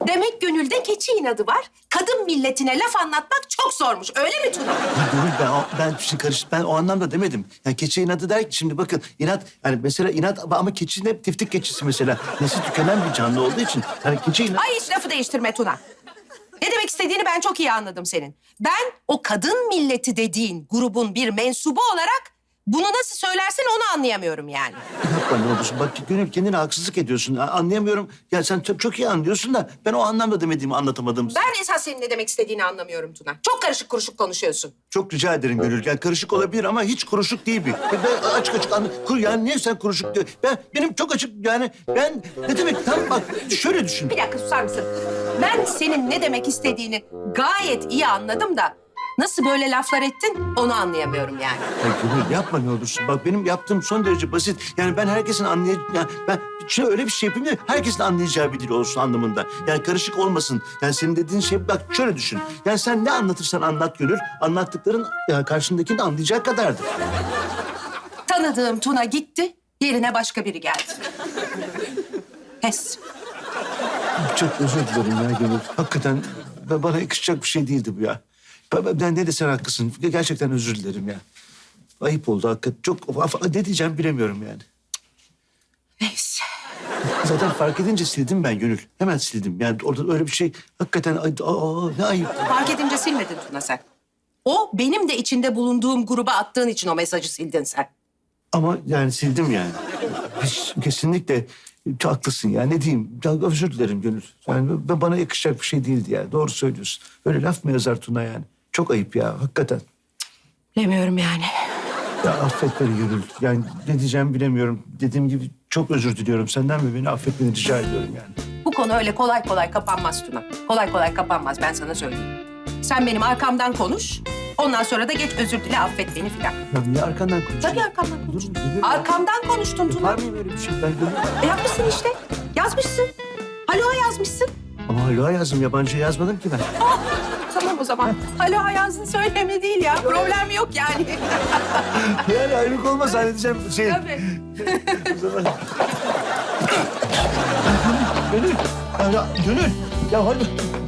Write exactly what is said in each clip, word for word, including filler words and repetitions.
Demek gönülde keçi inadı var. Kadın milletine laf anlatmak çok zormuş. Öyle mi Tuna? Ya Gönül ben, o- ben bir şey karış, ben o anlamda demedim. Yani keçi inadı der ki şimdi bakın inat yani mesela inat ama keçi ne tiftik keçisi mesela. Nesli tükenen bir canlı olduğu için yani keçi inat. Ay hiç lafı değiştirme Tuna. Ne demek istediğini ben çok iyi anladım senin. Ben o kadın milleti dediğin grubun bir mensubu olarak bunu nasıl söylersin onu anlayamıyorum yani. Yapma ne olursun. Bak Gönül kendine haksızlık ediyorsun. A- Anlayamıyorum. Ya sen çok, çok iyi anlıyorsun da ben o anlamda demediğimi anlatamadım. Ben esas senin ne demek istediğini anlamıyorum Tuna. Çok karışık kuruşuk konuşuyorsun. Çok rica ederim Gönül. Yani karışık olabilir ama hiç kuruşuk değil bir. Ben açık açık anla. Kur, yani niye sen kuruşuk diyor? Ben benim çok açık yani ben ne demek tam bak şöyle düşün. Bir dakika susar mısın? Ben senin ne demek istediğini gayet iyi anladım da nasıl böyle laflar ettin onu anlayamıyorum yani. Ya Gönül yapma ne olursun. Bak benim yaptığım son derece basit. Yani ben herkesin anlayacağı... Yani ben şöyle öyle bir şey yapayım ki herkesin anlayacağı bir dil olsun anlamında. Yani karışık olmasın. Yani senin dediğin şey bak şöyle düşün. Yani sen ne anlatırsan anlat Gönül. Anlattıkların ya karşındakini anlayacak kadardır. Tanıdığım Tuna gitti, yerine başka biri geldi. Pes. Çok özür dilerim ya Gönül. Hakikaten b- bana yakışacak bir şey değildi bu ya. Ben, ben ne desen haklısın. Gerçekten özür dilerim ya. Ayıp oldu hakikaten. Çok af- ne diyeceğim bilemiyorum yani. Neyse. Zaten fark edince sildim ben Gönül. Hemen sildim. Yani orada öyle bir şey hakikaten ay- aa, ne ayıp. Fark edince silmedin Tuna sen. O benim de içinde bulunduğum gruba attığın için o mesajı sildin sen. Ama yani sildim yani. Hiç, kesinlikle çok haklısın ya. Ne diyeyim? Ya, özür dilerim Gönül. Yani b- bana yakışacak bir şey değildi ya. Doğru söylüyorsun. Öyle laf mı yazar Tuna yani? Çok ayıp ya hakikaten. Bilemiyorum yani. Ya affet beni Gönül. Yani ne diyeceğimi bilemiyorum. Dediğim gibi çok özür diliyorum senden ve beni affetmeni rica ediyorum yani. Bu konu öyle kolay kolay kapanmaz Tuna. Kolay kolay kapanmaz ben sana söyleyeyim. Sen benim arkamdan konuş. Ondan sonra da geç özür dile affet beni filan. Ya niye arkandan konuşuyorsun? Tabii arkamdan konuş. Dur, bilirim. Arkamdan konuştun Tuna. Var mı böyle bir şey? Ben Gönül... E yapmışsın işte. Yazmışsın. Alo yazmışsın. Ama hala yazdım. Yabancı yazmadım ki ben. Tamam o zaman. Alo yazdın söyleme değil ya. Problem yok yani. Yani ayrılık olmaz halledeceğim şey. Tabii. O zaman... Gönül. Ya, ya, Gönül. Ya hadi.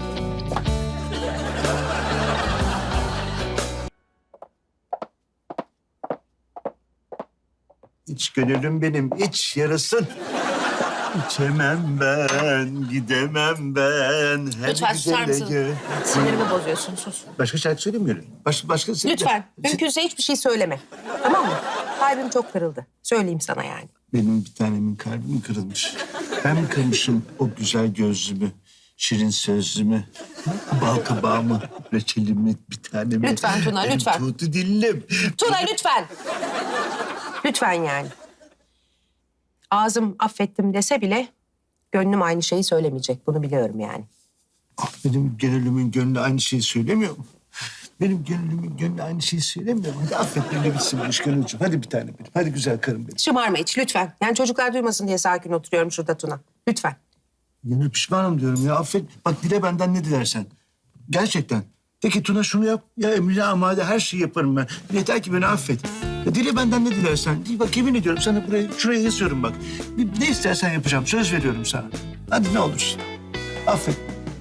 İç gönülüm benim, iç yarasın. İçemem ben, gidemem ben. Her Lütfen susar güzele mısın? gö- Sinirimi bozuyorsun sus. Başka şarkı söyleyeyim mi Gönül? Baş, başka... Lütfen. Mümkünse hiçbir şey söyleme. Tamam mı? Kalbim çok kırıldı. Söyleyeyim sana yani. Benim bir tanemin kalbi mi kırılmış? Ben mi kırmışım o güzel gözlümü, şirin sözlümü, bal kabağımı, reçelimi, bir tanemi? Lütfen Tuna, Benim lütfen. Tuğdu dillim. Tuna lütfen. Lütfen yani. Ağzım affettim dese bile gönlüm aynı şeyi söylemeyecek. Bunu biliyorum yani. Ah, benim gönlümün gönlü aynı şeyi söylemiyor mu? Benim gönlümün gönlü aynı şeyi söylemiyor mu? Hadi affet beni bitsin bu iş Gönülcüğüm. Hadi bir tane benim. Hadi güzel karım benim. Şımarma hiç lütfen. Yani çocuklar duymasın diye sakin oturuyorum şurada Tuna. Lütfen. Gönül pişmanım diyorum ya affet. Bak dile benden ne dilersen. Gerçekten. De ki Tuna şunu yap. Ya emrine amade her şeyi yaparım ben. Yeter ki beni affet. Ya dile benden ne dilersen. Değil, bak yemin ediyorum sana buraya, şuraya yazıyorum bak. Bir- Ne istersen yapacağım. Söz veriyorum sana. Hadi ne olursun. Affet.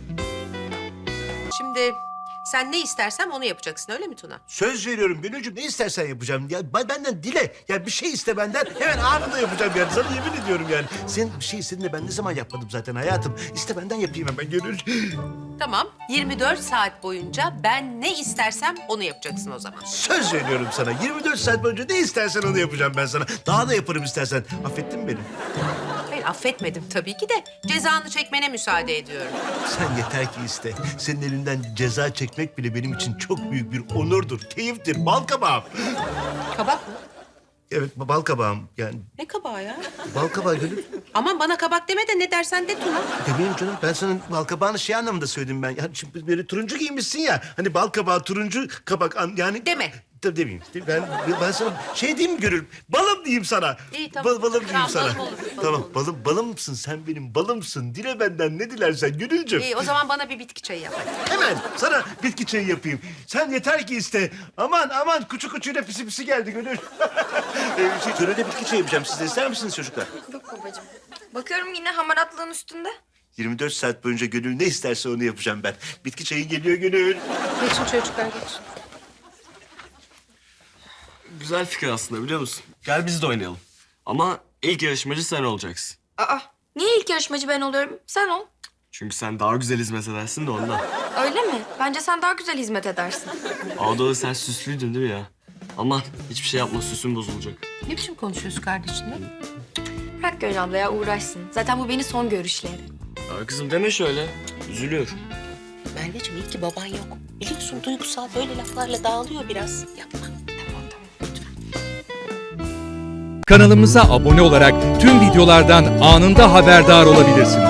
Şimdi sen ne istersem onu yapacaksın öyle mi Tuna? Söz veriyorum Gönülcüğüm. Ne istersen yapacağım. Ya ben- benden dile. Ya bir şey iste benden. Hemen anında yapacağım yani. Sana yemin ediyorum yani. Sen bir şey istedin de ben ne zaman yapmadım zaten hayatım. İste benden yapayım hemen Gönül. Tamam. yirmi dört saat boyunca ben ne istersem onu yapacaksın o zaman. Söz veriyorum sana. yirmi dört saat boyunca ne istersen onu yapacağım ben sana. Daha da yaparım istersen. Affettin mi beni? Hayır affetmedim tabii ki de cezanı çekmene müsaade ediyorum. Sen yeter ki iste. Senin elinden ceza çekmek bile benim için çok büyük bir onurdur, keyiftir. Bal kabağım. Kabak mı? Evet, bal kabağım. Yani Ne kabağı ya? bal kabağı Gönül. Aman bana kabak deme de ne dersen de Tuna. Demeyeyim canım. Ben sana bal kabağını şey anlamında söyledim ben. Yani şimdi böyle turuncu giymişsin ya. Hani bal kabağı, turuncu kabak. an- Yani... Deme. Tabii demeyeyim. Ben, ben sana şey diyeyim mi Gönül? Balım diyeyim sana. İyi, tamam. Bal, balım diyeyim Tamam, sana. balım olur, balım Tamam, olur. balım, balımsın. Sen benim balımsın. Dile benden ne dilersen Gönülcüm. İyi o zaman bana bir bitki çayı yap. Hemen sana bitki çayı yapayım. Sen yeter ki iste. Aman aman kuçu kuçuyla pisi pisi geldi Gönül. ee, şey, törede bitki çayı yapacağım. Siz de ister misiniz çocuklar? Yok babacığım. Bakıyorum yine hamaratlığın üstünde. yirmi dört saat boyunca Gönül ne isterse onu yapacağım ben. Bitki çayı geliyor Gönül. Geçin çocuklar geçin. Güzel fikir aslında biliyor musun? Gel biz de oynayalım. Ama ilk yarışmacı sen olacaksın. Aa, niye ilk yarışmacı ben oluyorum? Sen ol. Çünkü sen daha güzel hizmet edersin de ondan. Öyle mi? Bence sen daha güzel hizmet edersin. Ağdalı sen süslüydün değil mi ya? Aman hiçbir şey yapma, süsün bozulacak. Ne biçim konuşuyorsun kardeşinle? Bırak Gönül abla ya uğraşsın. Zaten bu beni son görüşleri. Ya kızım deme şöyle. Üzülüyor. Merveciğim iyi ki baban yok. Biliyorsun duygusal böyle laflarla dağılıyor biraz. Yapma. Tamam tamam lütfen. Kanalımıza abone olarak tüm videolardan anında haberdar olabilirsiniz.